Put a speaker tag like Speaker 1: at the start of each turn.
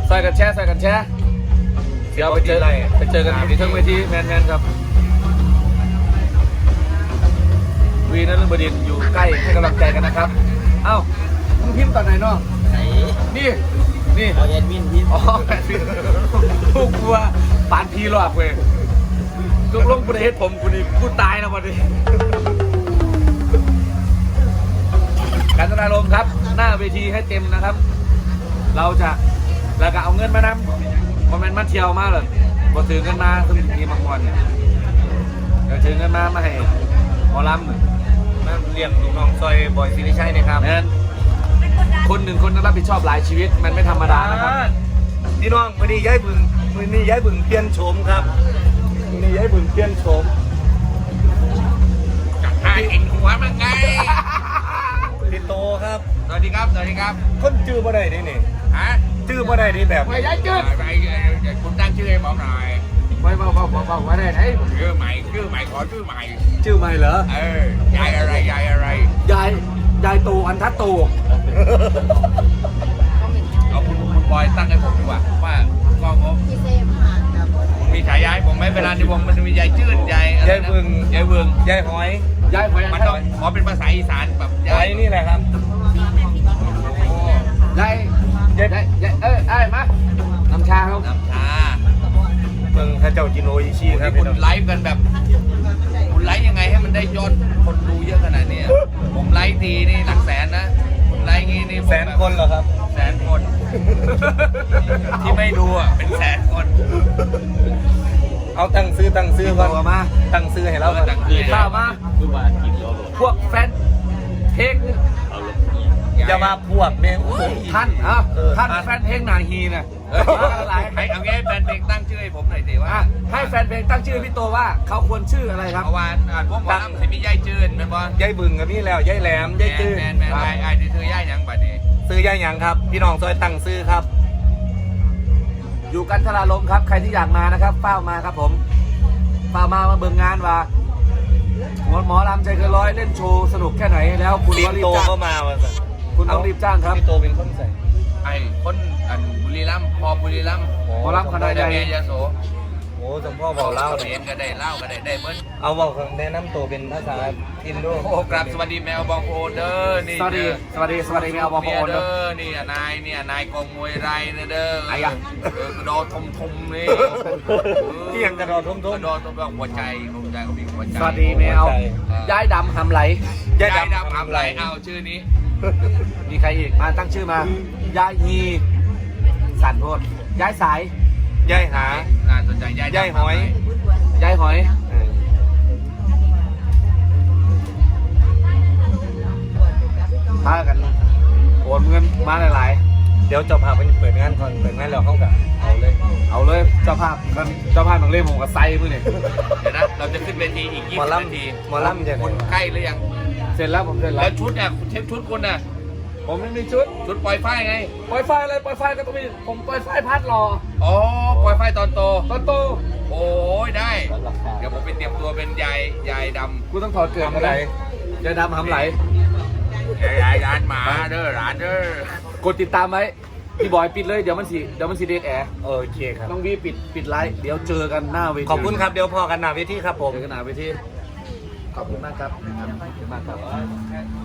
Speaker 1: ใส่กันแชร์เดี๋ยวไปเจอกันที่ทั้งเวทีแมนครับวีนฤบดินทร์อยู่ใกล้ให้กำลังใจกันนะครับเอ้ามึงพิมพ์ตอนไหนเนาะนี่
Speaker 2: เอาแอดมินพิมพ์
Speaker 1: อ๋อแอดมินทุกว่าปานพีหลอกเว้ยทุกลงกูได้เฮ็ดผมกูนี่กูตายแล้ววันนี้การแสดงลมครับหน้าเวทีให้เต็มนะครับเราจะแล้วก็เอาเงินมานำมันมาเที่ยวมาเลยพอถือเงินมาถึงทีมังกรเนี่ยเดี๋ยวถือเงินมาให้หมอลำ
Speaker 2: มาเรียกลูกน้องซอยบอยศิริชัยนะครับ
Speaker 1: นั่นคนหนึ่งคนต้องรับผิดชอบหลายชีวิตมันไม่ธรรมดานะครับ
Speaker 2: พี่น้องวันนี้ย้ายบึงเปลี่ยนโฉมครับวันนี้ย้ายบึงเปลี่ยนโฉม
Speaker 3: จัดให้เองหัวมันไง
Speaker 2: พี่โตครับ
Speaker 3: สวัสดีครับ
Speaker 2: คนจื้อบ่ได้ดินี่
Speaker 3: ฮะ
Speaker 2: จื้อบ่ได้ดิแบบ
Speaker 1: ไม่ย้ายจืด
Speaker 3: คุณตั้งชื่อให้ผมหน่อย
Speaker 1: ไม่ว่าได้ไหน
Speaker 3: ชื่อใหม่ขอชื่อใหม่
Speaker 1: ชื่อใหม่เหร
Speaker 3: อยายอะไร
Speaker 1: ยายโตอันทัดโต
Speaker 3: เอาคุณบอยตั้งให้ผมดีกว่าว่าก็ผมมีฉายาให้ผมไหมเวลาในวงมันมียายจืดยาย
Speaker 2: บึง
Speaker 3: ยายหอย
Speaker 1: มัน
Speaker 3: ต้องขอเป็นภาษาอีสานแบบ
Speaker 2: ยายนี่แหละครับ
Speaker 1: ยายมาน้ำชาครับ
Speaker 3: น้ำชา
Speaker 2: เมืองพระเจ้าจิโนอิชิครับ
Speaker 3: คุณไลฟ์กันแบบคุณไลฟ์ยังไงให้มันได้ยอดคนดูเยอะขนาดนี้ผมไลฟ์ทีนี่หลักแสนนะผมไลฟ์งี้นี่
Speaker 2: แสนคนเหรอครับ
Speaker 3: แสนคนที่ไม่ดูอ่ะเป็นแสนคน
Speaker 2: เอาตั้งซื้อก่อน
Speaker 1: มา
Speaker 2: ตั้งซื้อให้เรา
Speaker 1: ข้าวมาพวกแฟนเพลง
Speaker 2: อย่ามาพวกเนี่ย
Speaker 1: ท่านแฟนเพลงนาฮีน่ะ
Speaker 3: ให้เอางี้แฟนเพลงตั้งชื่อให้ผมหน่อยสิว่า
Speaker 1: ให้แฟนเพลงตั้งชื่อพี่โตว่าเขาควรชื่ออะไรครับ
Speaker 3: เมื่อวานพวกหมอลำสิมีย่ายจืนเป็นบ่
Speaker 2: ย่ายบึงกับนี่แล้วย่ายแหลมย่ายจืน
Speaker 3: แมนไอ้ที่ซื้อย่ายยังบัดนี้
Speaker 2: ซื้อย่ายยังครับพี่น้องซอยตั้งซื้อครับ
Speaker 1: อยู่กันทราลมครับใครที่อยากมานะครับเฝ้ามาครับผมเฝ้ามาเบิ่งงานว่าหมอลำใจเกินร้อยเล่นโชว์สนุกแค่ไหนแล้วคุณ
Speaker 2: ก็รีบจ้างก็มา
Speaker 1: คุณต้องรีบจ้างครับ
Speaker 2: พี่โตเป็นคนใส่
Speaker 3: ไอ้คนบุรีรัมย์พอบุรีรัมย์
Speaker 1: หมอลำขนาดใหญ่
Speaker 3: ยาโส
Speaker 2: โอ้สมพ่อบอกเล่า
Speaker 3: เรียนก็ได้เล่าก็ได้เบิ้ล
Speaker 2: เอาบอกแนะนำตัวเป็นภาษาอินโด
Speaker 3: โอ้กราบสวัสดีแมวบองโอเดอร์นี่
Speaker 1: สวัสดีแมวบองโอเดอร์
Speaker 3: นี่นายกองมวยไรเด้อ
Speaker 1: ไอ้อะ
Speaker 3: กระโดดทมนี่
Speaker 2: ที่ยังกระโดดทม
Speaker 3: แบบหัวใจเขามีหัวใจ
Speaker 1: สวัสดีแมวยายดำหำไหล
Speaker 3: ยายดำหำไหลเอาชื่อนี้
Speaker 1: มีใครอีกมาตั้งชื่อมายายฮีสันโทษยายสาย
Speaker 2: ยายหา
Speaker 3: น่าสนใจ
Speaker 2: ยายหอย
Speaker 1: พากันโอนเงินมาหลาย
Speaker 2: ๆเดี๋ยวเจ้าภาพเปิดงานก่อนเปิดงานแล้วเข้ากับเอาเลย
Speaker 1: เจ้าภาพหนังเล่มผมกับไซมือเนี่ย
Speaker 3: เดี๋ยวนะเราจะขึ้นเวทีอีก20 นาที
Speaker 2: หมอลำจะ
Speaker 3: คุณใกล้หรือยัง
Speaker 1: เสร็จแล้วผมเสร็จแล้ว
Speaker 3: ชุดเช็คชุดคุณน่ะ
Speaker 1: ผมไม่มีชุด
Speaker 3: ปล่อยไฟไง
Speaker 1: ปล่อยไฟอะไรปล่อยไฟก็ต้องมีผมปล่อยไฟพัดรอ
Speaker 3: อ๋อปล่อยไฟตอนโตโอ้ยได้เดี๋ยวผมไปเตรียมตัวเป็นยายดำ
Speaker 1: กูต้องถอดเกิดมาไหนยายดำหำไหล
Speaker 3: ยายร้านหมาเด้อร้านเด้
Speaker 1: อกดติดตามไว้พี่บอยปิดเลยเดี๋ยวมันสีเดทแอร์
Speaker 2: โอเคครับ
Speaker 1: ต้องวีปิดไลฟ์เดี๋ยวเจอกันหน้าเวที
Speaker 2: ขอบคุณครับเดี๋ยวพอกันหน้าเวทีครับผม
Speaker 1: เจอกันหน้าเวทีขอบคุณมากครับ